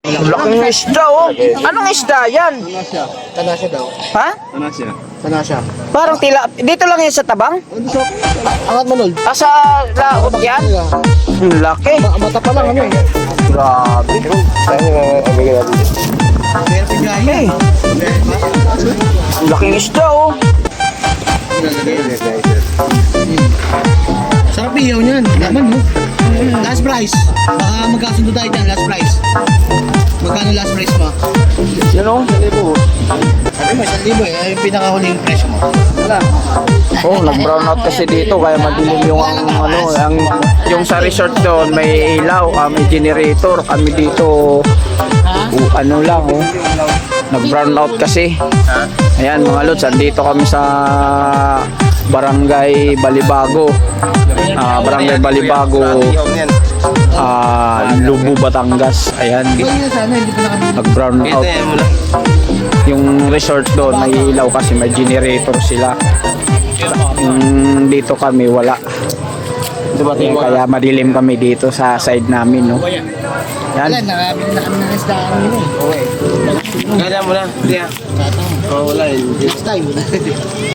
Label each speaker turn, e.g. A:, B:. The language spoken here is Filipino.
A: Laking isda oh. Anong isda yan?
B: Tanasya daw.
A: Ha?
B: Tanasya.
A: Parang tila. Dito lang yan sa tabang?
B: Angat manol.
A: Sa laot yan? Ang laki.
B: Mata pa lang ano eh.
A: Grabe. Hey. Ang laking isda oh.
B: Sarap iyaw niyan. Laman mo. Last price. Baka magkasundo tayo dyan. Last price. Magkano last price mo?
A: Yan oh.
B: Sabi mo, 1,000 eh. Ay, yung pinakahuling presyo mo. Wala.
A: Oh, nag-brown out kasi dito kaya madilim yung yung sa resort doon may ilaw, may generator. Kami dito ano lang oh. Nag-brown out kasi. Ayan mga lods, andito kami sa Barangay Balibago. Barangay Balibago. Lubu, Batangas. Ayan. Nag-brown out. Yung resort doon may ilaw kasi may generator sila. Dito kami wala. Kaya madilim kami dito sa side namin, no. Yan.
B: Wala, nakabili na kami ng isda ang yun eh.
C: Kaya mo na. Wala.
B: Next time.